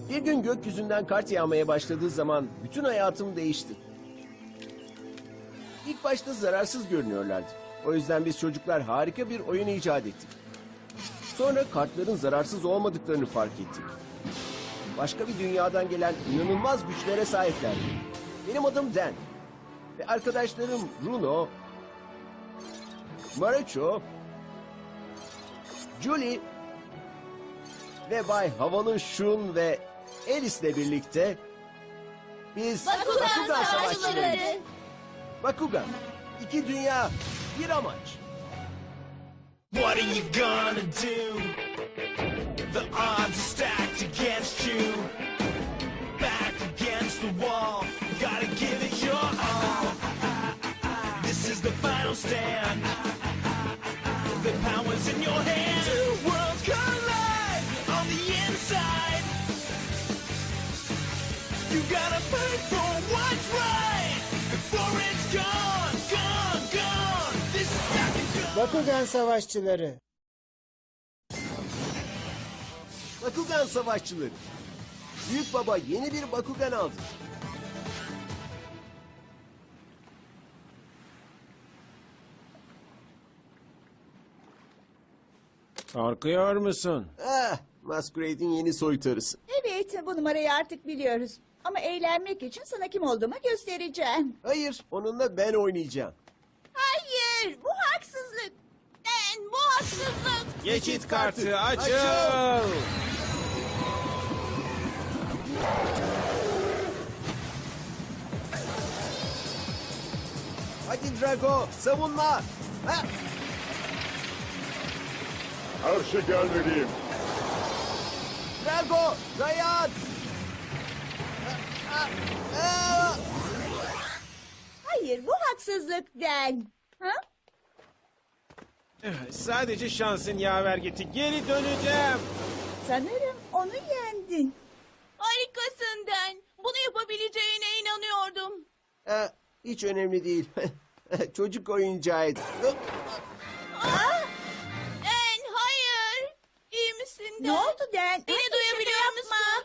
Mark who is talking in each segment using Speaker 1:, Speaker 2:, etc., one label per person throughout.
Speaker 1: Bir gün gökyüzünden kart yağmaya başladığı zaman bütün hayatım değişti. İlk başta zararsız görünüyorlardı. O yüzden biz çocuklar harika bir oyun icat ettik. Sonra kartların zararsız olmadıklarını fark ettik. Başka bir dünyadan gelen inanılmaz güçlere sahiplerdi. Benim adım Dan. Ve arkadaşlarım Bruno, Marucho, Julie ve Bay Havalı Şun ve Alice'le birlikte biz
Speaker 2: Bakugan Savaşçıları.
Speaker 1: Bakugan, iki dünya, bir amaç.
Speaker 3: What are you gonna do? The odds are stacked against you. Back against the wall, gotta give it your all. This is the final stand. The power's in your hands. Two worlds collide on the inside. You gotta fight for what's right before it's gone, gone, gone. This is back and gone.
Speaker 4: Bakugan Savaşçıları.
Speaker 1: Bakugan Savaşçıları. Büyük Baba yeni bir Bakugan aldı.
Speaker 5: Korkuyor musun?
Speaker 1: Masquerade'in yeni soytarısı.
Speaker 2: Evet, bu numarayı artık biliyoruz. Ama eğlenmek için sana kim olduğumu göstereceğim.
Speaker 1: Hayır, onunla ben oynayacağım.
Speaker 2: Hayır, bu haksızlık. Ben bu haksızlık.
Speaker 5: Geçit kartı açıl.
Speaker 1: Açıl. Hadi Drago, savunma. Ha!
Speaker 6: Karşı gelmeliyim.
Speaker 1: Drago, dayan.
Speaker 2: Hayır, bu haksızlık Den. Ha?
Speaker 5: Sadece şansın yaver gitti. Geri döneceğim.
Speaker 2: Sanırım onu yendin.
Speaker 7: Harikasın Den. Bunu yapabileceğine inanıyordum.
Speaker 1: Hiç önemli değil. Çocuk oyuncağıydı.
Speaker 7: Den, hayır. İyi misin Den?
Speaker 2: Ne oldu Den?
Speaker 7: Beni
Speaker 2: Hadi
Speaker 7: duyabiliyor
Speaker 2: şunu
Speaker 7: musun?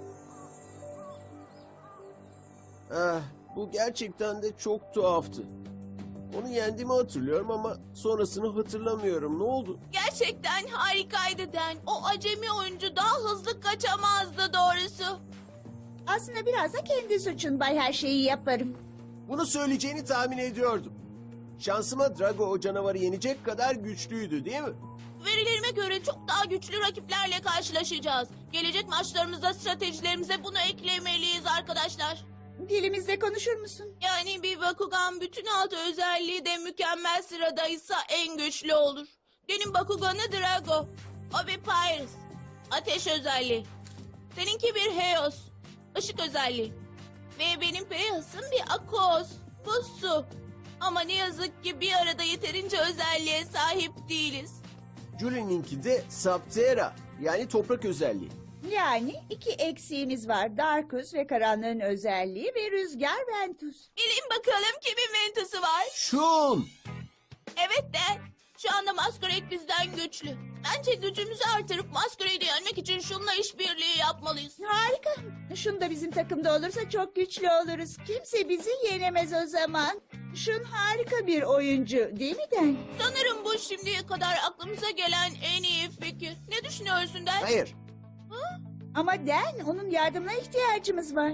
Speaker 1: Bu gerçekten de çok tuhaftı. Onu yendiğimi hatırlıyorum ama sonrasını hatırlamıyorum. Ne oldu?
Speaker 7: Gerçekten harikaydı Den. O acemi oyuncu daha hızlı kaçamazdı doğrusu.
Speaker 2: Aslında biraz da kendi suçun Bay, her şeyi yaparım.
Speaker 1: Bunu söyleyeceğini tahmin ediyordum. Şansıma Drago o canavarı yenecek kadar güçlüydü, değil mi?
Speaker 7: Verilerime göre çok daha güçlü rakiplerle karşılaşacağız. Gelecek maçlarımızda stratejilerimize bunu eklemeliyiz arkadaşlar.
Speaker 2: Dilimizde konuşur musun?
Speaker 7: Yani bir Bakugan bütün altı özelliği de mükemmel sıradaysa en güçlü olur. Benim Bakugan'ı Drago. O bir Pyrus. Ateş özelliği. Seninki bir Heos. Işık özelliği. Ve benim Pegasus'um bir Akos. Bu su. Ama ne yazık ki bir arada yeterince özelliğe sahip değiliz.
Speaker 1: Julie'ninki de Saptera, yani toprak özelliği.
Speaker 2: Yani iki eksiğimiz var. Darkus ve karanlığın özelliği ve rüzgar Ventus.
Speaker 7: Bilin bakalım kimin Ventus'u var?
Speaker 1: Şun!
Speaker 7: Evet de şu anda Masquerade bizden güçlü. Bence gücümüzü artırıp Masquerade'i yenmek için şunla işbirliği yapmalıyız.
Speaker 2: Harika. Şun da bizim takımda olursa çok güçlü oluruz. Kimse bizi yenemez o zaman. Şun harika bir oyuncu değil mi Den?
Speaker 7: Sanırım bu şimdiye kadar aklımıza gelen en iyi fikir. Ne düşünüyorsun Der?
Speaker 1: Hayır,
Speaker 2: Ama Den, onun yardımına ihtiyacımız var.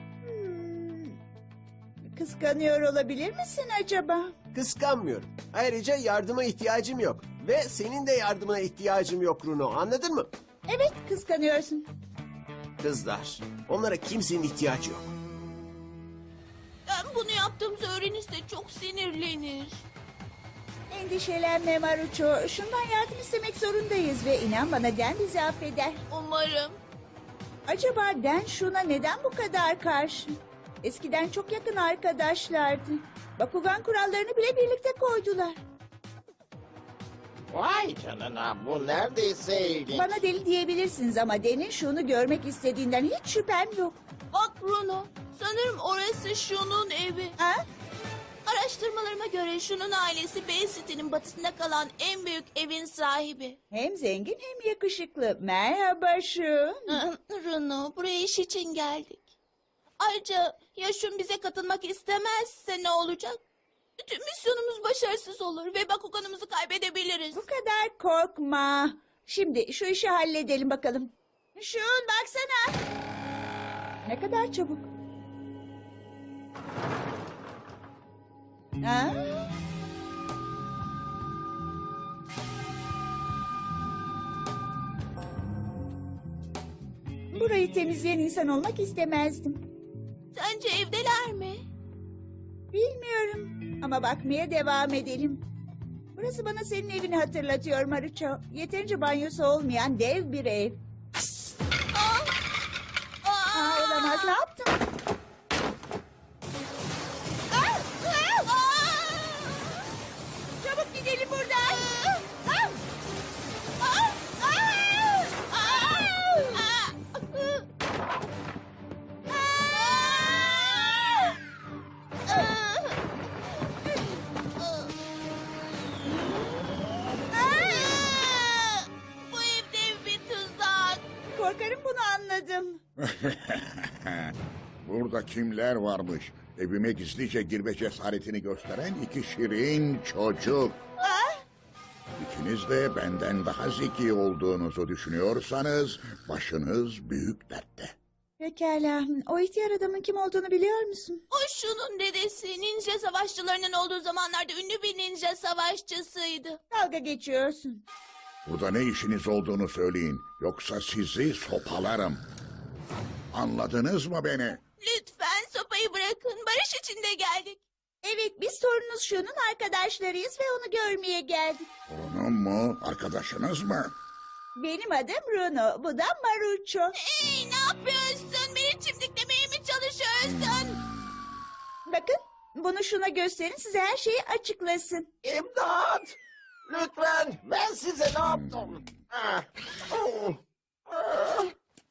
Speaker 2: Kıskanıyor olabilir misin acaba?
Speaker 1: kıskanmıyorum. Ayrıca yardıma ihtiyacım yok. Ve senin de yardımına ihtiyacım yok Bruno, anladın mı?
Speaker 2: Evet, kıskanıyorsun.
Speaker 1: Kızlar, onlara kimsenin ihtiyacı yok.
Speaker 7: Ben bunu yaptığımızı öğrenirse çok sinirlenir.
Speaker 2: Endişelenme Marucho. Şundan yardım istemek zorundayız ve inan bana Den bizi affeder.
Speaker 7: Umarım.
Speaker 2: Acaba Den Şun'a neden bu kadar karşı? Eskiden çok yakın arkadaşlardı. Bakugan kurallarını bile birlikte koydular.
Speaker 4: Vay canına, bu neredeyse ilginç.
Speaker 2: Bana deli diyebilirsiniz ama Den'in Şun'u görmek istediğinden hiç şüphem yok.
Speaker 7: Bak Bruno, sanırım orası şunun evi.
Speaker 2: Ha?
Speaker 7: Araştırmalarıma göre şunun ailesi Bay City'nin batısında kalan en büyük evin sahibi.
Speaker 2: Hem zengin hem yakışıklı. Merhaba Şun.
Speaker 7: Runo, buraya iş için geldik. Ayrıca ya Şun bize katılmak istemezse ne olacak? Bütün misyonumuz başarısız olur ve Bakuganımızı kaybedebiliriz.
Speaker 2: Bu kadar korkma. Şimdi şu işi halledelim bakalım. Şun baksana. Ne kadar çabuk. Ha? Burayı temizleyen insan olmak istemezdim.
Speaker 7: Sence evdeler mi?
Speaker 2: Bilmiyorum ama bakmaya devam edelim. Burası bana senin evini hatırlatıyor Maruço. Yeterince banyosu olmayan dev bir ev. Aa, olamaz, ne yaptın? Çabuk gidelim buradan.
Speaker 7: Bu ev dev bir tuzak.
Speaker 2: Korkarım bunu anladım.
Speaker 6: Burada kimler varmış? Evime gizlice girme cesaretini gösteren iki şirin çocuk. İkiniz de benden daha zeki olduğunuzu düşünüyorsanız başınız büyük dertte.
Speaker 2: Pekala. O ihtiyar adamın kim olduğunu biliyor musun?
Speaker 7: O Şun'un dedesi ninja savaşçılarının olduğu zamanlarda ünlü bir ninja savaşçısıydı.
Speaker 2: Dalga geçiyorsun.
Speaker 6: Burada ne işiniz olduğunu söyleyin. Yoksa sizi sopalarım. Anladınız mı beni?
Speaker 7: Lütfen sopayı bırakın. Barış içinde geldik.
Speaker 2: Evet, biz sorunuz Şun'un arkadaşlarıyız ve onu görmeye geldik.
Speaker 6: Torunum mu? Arkadaşınız mı?
Speaker 2: Benim adım Runo, bu da Maruço.
Speaker 7: Hey, ne yapıyorsun? Beni çimdiklemeye mi çalışıyorsun?
Speaker 2: Bakın, bunu Şun'a gösterin, size her şeyi açıklasın.
Speaker 4: İmdat! Lütfen ben size ne yaptım? Ah, oh, ah.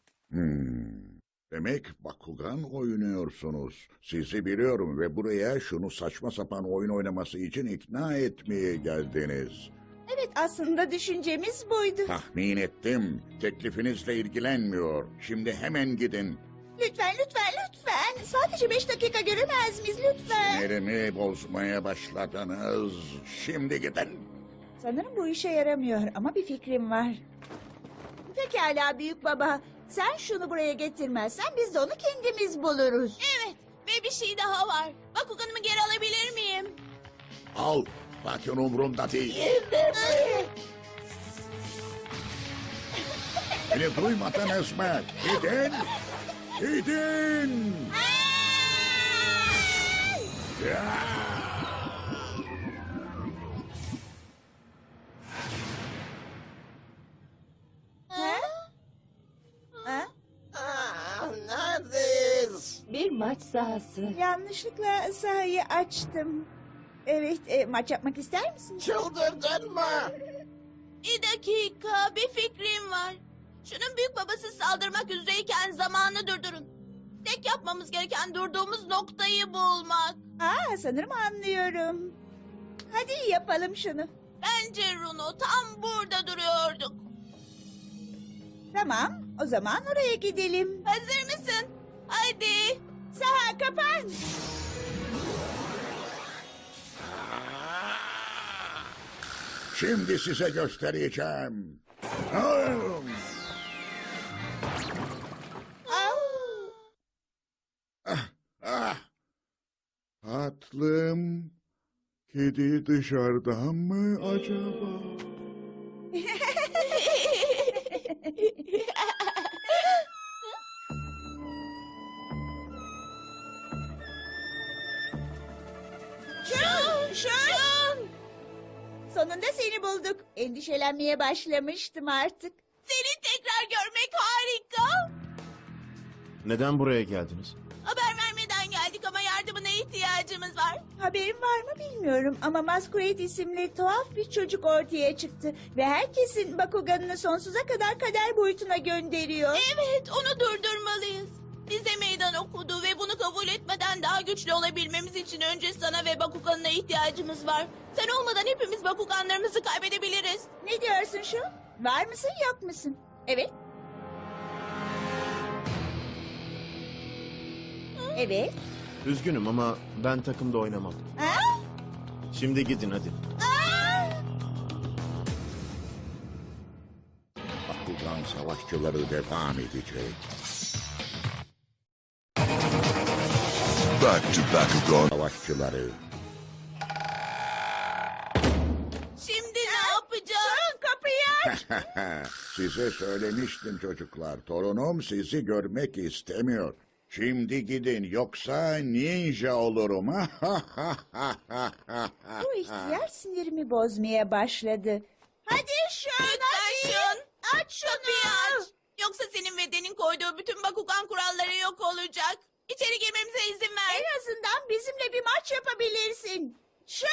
Speaker 6: Demek Bakugan oynuyorsunuz. Sizi biliyorum ve buraya şunu saçma sapan oyun oynaması için ikna etmeye geldiniz.
Speaker 2: Evet, aslında düşüncemiz buydu.
Speaker 6: Tahmin ettim. Teklifinizle ilgilenmiyor. Şimdi hemen gidin.
Speaker 2: Lütfen, lütfen, lütfen. Sadece 5 dakika göremez miyiz lütfen?
Speaker 6: Sinirimi bozmaya başladınız. Şimdi gidin.
Speaker 2: Sanırım bu işe yaramıyor ama bir fikrim var. Pekala büyük baba. Sen şunu buraya getirmezsen biz de onu kendimiz buluruz.
Speaker 7: Evet ve bir şey daha var. Bakuganımı geri alabilir miyim?
Speaker 6: Al. Zaten umurumda değil. Beni duymadınız mı? Gidin. Gidin.
Speaker 2: Ha? Ha?
Speaker 4: Ah, neredeyiz?
Speaker 8: Bir maç sahası.
Speaker 2: Yanlışlıkla sahayı açtım. Evet, maç yapmak ister misin?
Speaker 4: Çıldırdın mı?
Speaker 7: Bir dakika, bir fikrim var. Şunun büyük babası saldırmak üzereyken zamanı durdurun. Tek yapmamız gereken durduğumuz noktayı bulmak.
Speaker 2: Aa, sanırım anlıyorum. Hadi yapalım şunu.
Speaker 7: Bence Runo tam burada duruyorduk.
Speaker 2: Tamam, o zaman oraya gidelim.
Speaker 7: Hazır mısın? Hadi.
Speaker 2: Saha kapan.
Speaker 6: Şimdi size göstereceğim. Ah. Tatlım. Kedi dışarıdan mı acaba?
Speaker 2: Şun! Sonunda seni bulduk. Endişelenmeye başlamıştım artık.
Speaker 7: Seni tekrar görmek harika.
Speaker 5: Neden buraya geldiniz?
Speaker 7: Haber vermeden geldik ama yardımına ihtiyacımız var.
Speaker 2: Haberin var mı bilmiyorum ama Masquerade isimli tuhaf bir çocuk ortaya çıktı. Ve herkesin Bakuganını sonsuza kadar kader boyutuna gönderiyor.
Speaker 7: Evet, onu durdurmalıyız. bize meydan okudu ve bunu kabul etmeden daha güçlü olabilmemiz için önce sana ve Bakugan'ına ihtiyacımız var. Sen olmadan hepimiz Bakuganlarımızı kaybedebiliriz.
Speaker 2: Ne diyorsun şu? Var mısın yok musun? Evet. Evet.
Speaker 5: Üzgünüm ama ben takımda oynamam.
Speaker 2: Ha?
Speaker 5: Şimdi gidin hadi.
Speaker 6: Bakugan savaşçıları devam edecek.
Speaker 8: Back to Bakugan.
Speaker 6: Savaşçıları.
Speaker 7: Şimdi ne yapacağız?
Speaker 2: Kapıyı aç.
Speaker 6: Size söylemiştim çocuklar. Torunum sizi görmek istemiyor. Şimdi gidin yoksa ninja olurum.
Speaker 2: Bu ihtiyar sinirimi bozmaya başladı. Hadi şunu.
Speaker 7: Lütfen Şun.
Speaker 2: Aç şunu.
Speaker 7: Kapıyı aç. Yoksa senin ve Den'in koyduğu bütün Bakugan kuralları yok olacak. İçeri girmemize izin ver.
Speaker 2: En azından bizimle bir maç yapabilirsin. Şun!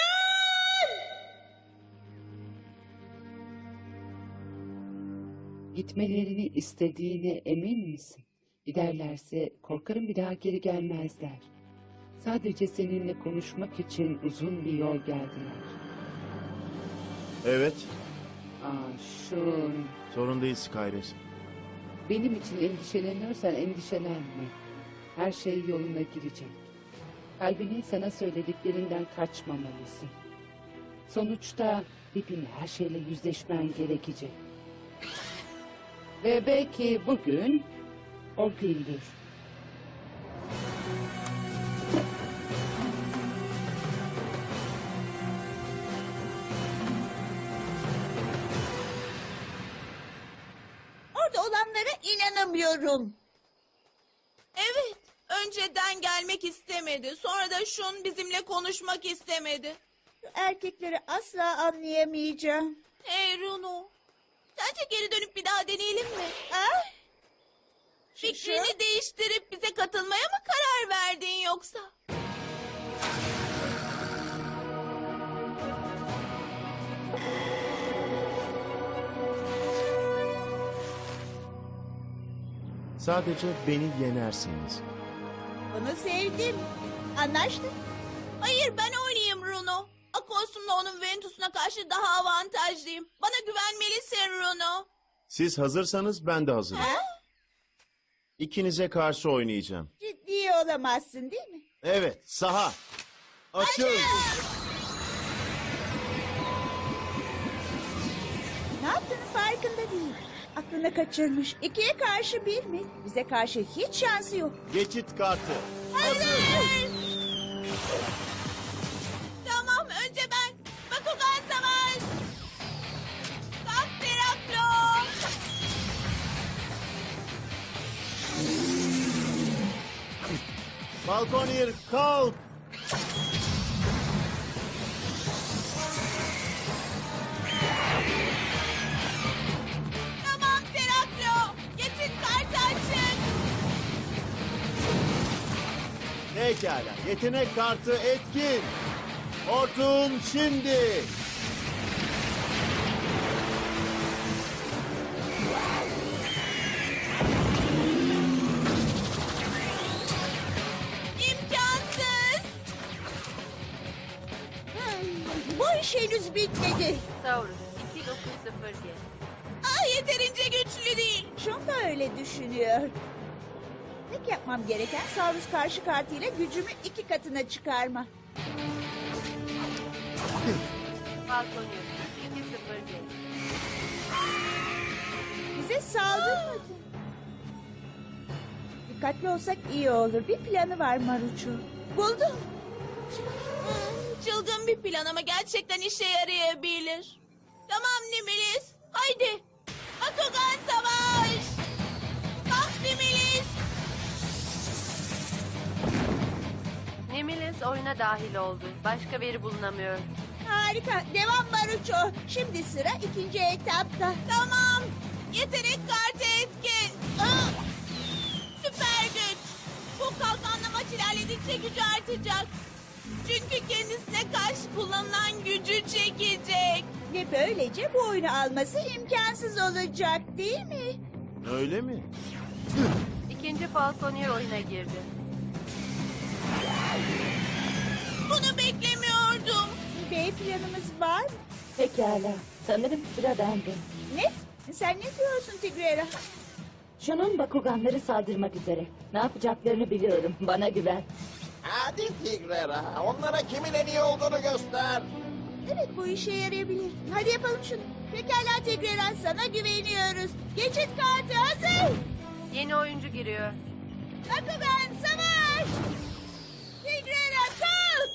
Speaker 9: Gitmelerini istediğine emin misin? Giderlerse korkarım bir daha geri gelmezler. Sadece seninle konuşmak için uzun bir yol geldiler.
Speaker 5: Evet,
Speaker 9: Şun,
Speaker 5: sorun değil Skyres.
Speaker 9: benim için endişeleniyorsan endişelenme. Her şey yoluna girecek. Kalbinin sana söylediklerinden kaçmamalısın. Sonuçta bir gün her şeyle yüzleşmen gerekecek. Ve belki bugün o gündür.
Speaker 2: Orada olanlara inanamıyorum.
Speaker 7: Evet. Önceden gelmek istemedi. Sonra da Şun bizimle konuşmak istemedi.
Speaker 2: Şu erkekleri asla anlayamayacağım.
Speaker 7: Hey Runo. Sence geri dönüp bir daha deneyelim mi?
Speaker 2: Ah!
Speaker 7: Fikrini değiştirip bize katılmaya mı karar verdin yoksa?
Speaker 5: Sadece beni yenerseniz.
Speaker 2: Bunu sevdim. Anlaştık.
Speaker 7: Hayır ben oynayayım Runo. Akosum'la onun Ventus'una karşı daha avantajlıyım. Bana güvenmelisin Runo.
Speaker 5: Siz hazırsanız ben de hazırım.
Speaker 2: Ha?
Speaker 5: İkinize karşı oynayacağım.
Speaker 2: Ciddi olamazsın değil mi?
Speaker 5: Evet, saha. Açıl.
Speaker 2: Ne yaptığının farkında değil. Aklını kaçırmış. 2'ye karşı 1 mi? Bize karşı hiç şansı yok.
Speaker 5: Geçit kartı.
Speaker 7: Hazır. Tamam önce ben. Bakugan savaş. Kalk Teraklo.
Speaker 5: Falconir kalk.
Speaker 7: Tamam Teraklo. Geçit kartı açın.
Speaker 5: Pekala, yetenek kartı etkin. Hortum şimdi.
Speaker 7: İmkansız.
Speaker 2: Bu iş henüz bitmedi.
Speaker 10: Saurus 2907.
Speaker 7: Yeterince güçlü değil.
Speaker 2: Şun da öyle düşünüyor. Tek yapmam gereken Saurus karşı kartıyla gücümü 2 katına çıkarma.
Speaker 10: Falconius 207.
Speaker 2: Bize saldırmadı. Dikkatli olsak iyi olur. Bir planı var Maruço. Buldum.
Speaker 7: Çılgın bir plan ama gerçekten işe yarayabilir. Tamam Nimilis. Haydi. Bakugan savaş. Kalk Nimilis.
Speaker 10: Nemilis oyuna dahil oldu. Başka biri bulunamıyor.
Speaker 2: Harika. Devam Maruço. Şimdi sıra 2. etapta.
Speaker 7: Tamam. Yetenek kartı etkin. Süper güç. Bu kalkanla maç ilerledikçe gücü artacak. Çünkü kendisine karşı kullanılan gücü çekecek.
Speaker 2: Ve böylece bu oyunu alması imkansız olacak değil mi?
Speaker 5: Öyle mi?
Speaker 10: İkinci Falconer oyuna girdi.
Speaker 7: Bunu beklemiyordum.
Speaker 2: B planımız var mı?
Speaker 8: Pekala. Sanırım sıra bende.
Speaker 2: Ne? Sen ne diyorsun Tigrera?
Speaker 8: Şunun Bakuganları saldırmak üzere. Ne yapacaklarını biliyorum. Bana güven.
Speaker 4: Hadi Tigrera, onlara kimin en iyi olduğunu göster.
Speaker 2: Evet, bu işe yarayabilir. Hadi yapalım şunu. Pekala Tigrera, sana güveniyoruz. Geçit kartı hazır.
Speaker 10: Yeni oyuncu giriyor.
Speaker 2: Bakugan savaş! Tigrera kalk!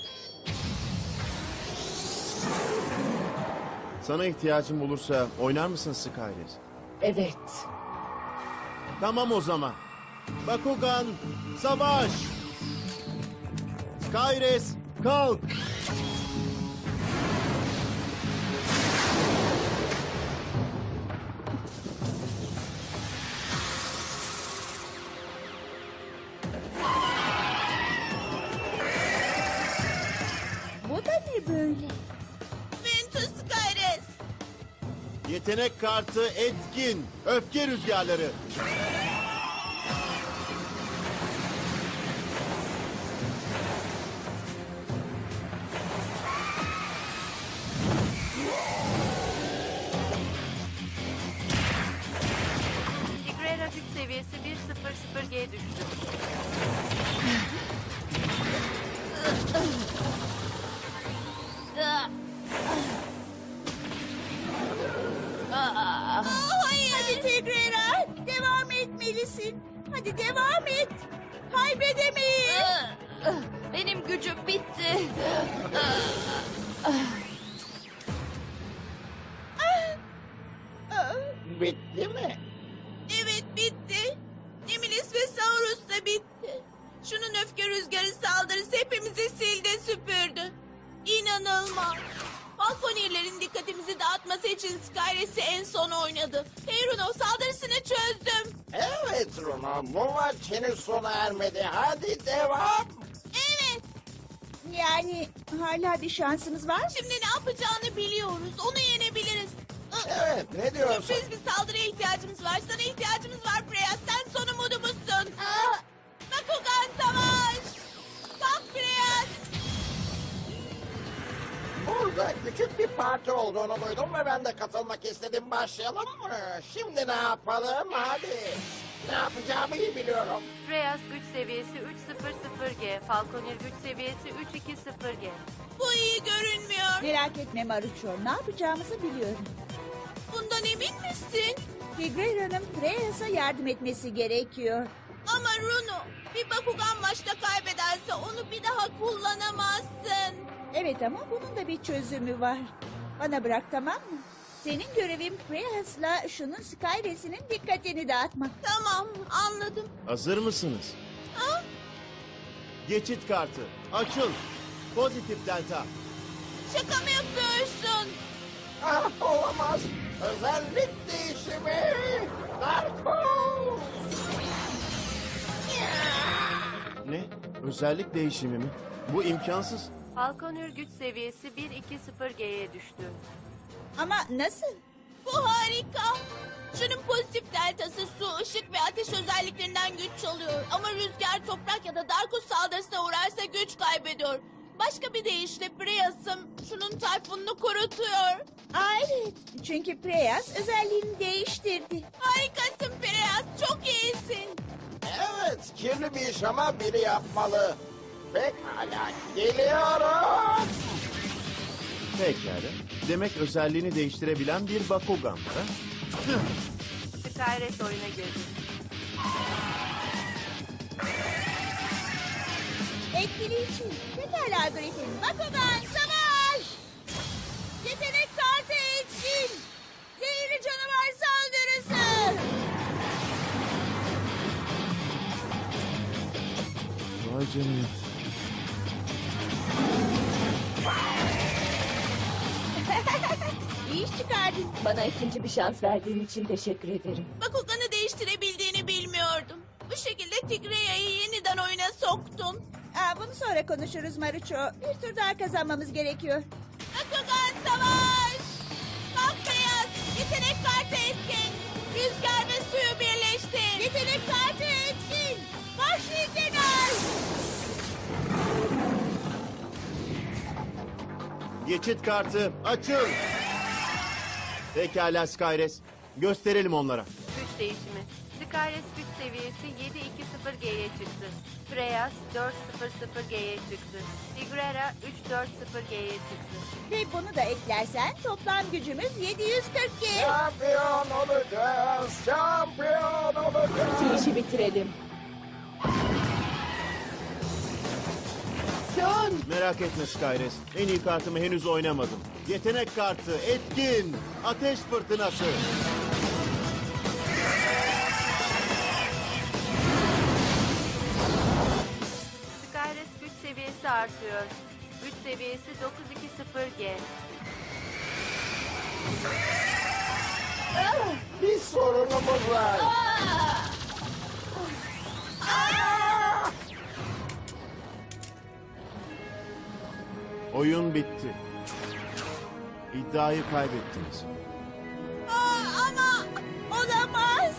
Speaker 5: Sana ihtiyacım olursa oynar mısın Skyres?
Speaker 8: Evet.
Speaker 5: Tamam o zaman. Bakugan, savaş! Skyres, kalk!
Speaker 2: Bu da ne böyle?
Speaker 7: Ventus Skyres.
Speaker 5: Yetenek kartı etkin. Öfke rüzgarları.
Speaker 10: Tigrera güç seviyesi 100G düştü.
Speaker 2: Hadi Tigrera, devam etmelisin. Hadi devam et. Kaybedemeyiz.
Speaker 10: Benim gücüm bitti.
Speaker 4: Bitti mi?
Speaker 7: Evet bitti. Nemilis ve Saurus da bitti. Şunun öfke rüzgarı saldırısı hepimizi sildi süpürdü. İnanılmaz. Falconer'lerin dikkatimizi dağıtması için Skyres'i en son oynadı. Hey Runo, saldırısını çözdüm.
Speaker 4: Evet Runo, bu maç henüz sona ermedi. Hadi devam.
Speaker 7: Evet.
Speaker 2: Yani hala bir şansımız var mı?
Speaker 7: Şimdi ne yapacağını biliyoruz. Onu yenebiliriz.
Speaker 4: Evet, ne diyorsun?
Speaker 7: Sürpriz bir saldırıya ihtiyacımız var. Sana ihtiyacımız var Freya. Sen son umudumuzsun. Bakugan savaş. Kalk Freya.
Speaker 4: Burada küçük bir parti olduğunu duydum ve ben de katılmak istedim. Başlayalım mı? Şimdi ne yapalım? Hadi. Ne yapacağımı iyi biliyorum.
Speaker 10: Reyes güç seviyesi 300G. Falconer güç seviyesi 320G.
Speaker 7: Bu iyi görünmüyor.
Speaker 2: Merak etme Maruço, ne yapacağımızı biliyorum.
Speaker 7: Bundan emin misin?
Speaker 2: Tigrera'nın Freyas'a yardım etmesi gerekiyor.
Speaker 7: Ama Runo, bir Bakugan maçta kaybederse onu bir daha kullanamazsın.
Speaker 2: Evet ama bunun da bir çözümü var. Bana bırak, tamam mı? Senin görevin Freyas'la şunun Skyres'inin dikkatini dağıtmak.
Speaker 7: Tamam, anladım.
Speaker 5: Hazır mısınız?
Speaker 7: Ha?
Speaker 5: Geçit kartı. Açıl. Pozitif delta.
Speaker 7: Şaka mı yapıyorsun?
Speaker 4: Ah, olamaz. Özellik değişimi. Darko.
Speaker 5: Ne? Özellik değişimi mi? Bu imkansız.
Speaker 10: Falconer güç seviyesi 120G'ye düştü.
Speaker 2: Ama nasıl?
Speaker 7: Bu harika. Şunun pozitif deltası su, ışık ve ateş özelliklerinden güç çalıyor. Ama rüzgar, toprak ya da Darkus saldırısına uğrarsa güç kaybediyor. Başka bir deyişle Preyas'ım şunun tayfununu kurutuyor.
Speaker 2: Aa, evet, çünkü Freyas özelliğini değiştirdi.
Speaker 7: Harikasın Preyas, çok iyisin.
Speaker 4: Evet, kirli bir iş ama biri yapmalı. Pekala, geliyorum.
Speaker 5: Pekala. Demek özelliğini değiştirebilen bir Bakugan var. Ha?
Speaker 10: Skyres oyuna girdi.
Speaker 2: Etkileyici. Pekala Griffin. Bakugan savaş! Yetenek kartı etkin. Zehirli canavar saldırısı.
Speaker 5: Vay canına.
Speaker 2: İyi iş çıkardın.
Speaker 8: Bana ikinci bir şans verdiğin için teşekkür ederim.
Speaker 7: Bakugan'ı değiştirebildiğini bilmiyordum. Bu şekilde Tigreya'yı yeniden oyuna soktun.
Speaker 2: Aa, bunu sonra konuşuruz Maruço. Bir tur daha kazanmamız gerekiyor.
Speaker 7: Bakugan savaş! Kalk beyaz! Yetenek kartı etkin! Rüzgar ve suyu birleştir!
Speaker 2: Yetenek kartı etkin.
Speaker 5: Geçit kartı açıl. Pekala Skyres. Gösterelim onlara.
Speaker 10: Güç değişimi. Skyres güç seviyesi 720G'ye çıktı. Freyas 400G'ye çıktı. Tigrera 340G'ye çıktı.
Speaker 2: Ve bunu da eklersen toplam gücümüz 740G.
Speaker 4: Şampiyon olacağız. Şampiyon olacağız.
Speaker 8: Şu işi bitirelim. Şun!
Speaker 5: Merak etme Skyres. En iyi kartımı henüz oynamadım. Yetenek kartı etkin. Ateş fırtınası.
Speaker 10: Skyres güç seviyesi artıyor. Güç seviyesi 920G.
Speaker 4: Bir sorunumuz var.
Speaker 5: Oyun bitti. İddiayı kaybettiniz.
Speaker 2: Ama olamaz.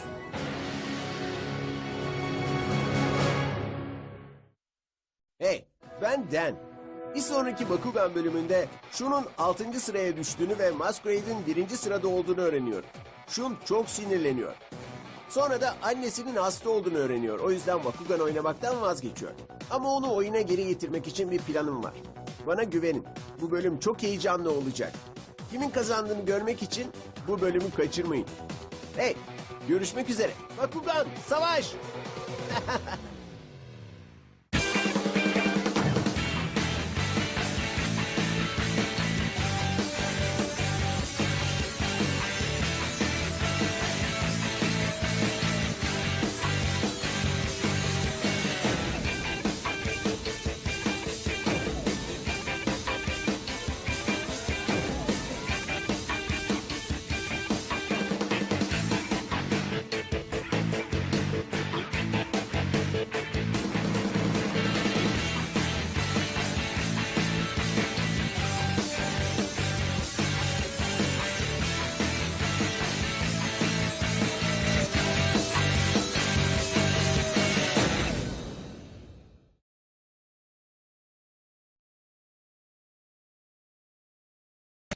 Speaker 1: Hey, ben Dan. Bir sonraki Bakugan bölümünde Shun'un 6. sıraya düştüğünü ve Masquerade'in 1. sırada olduğunu öğreniyorum. Shun çok sinirleniyor. Sonra da annesinin hasta olduğunu öğreniyor. O yüzden Bakugan oynamaktan vazgeçiyor. Ama onu oyuna geri getirmek için bir planım var. Bana güvenin. Bu bölüm çok heyecanlı olacak. Kimin kazandığını görmek için bu bölümü kaçırmayın. Hey, görüşmek üzere. Bakugan, savaş!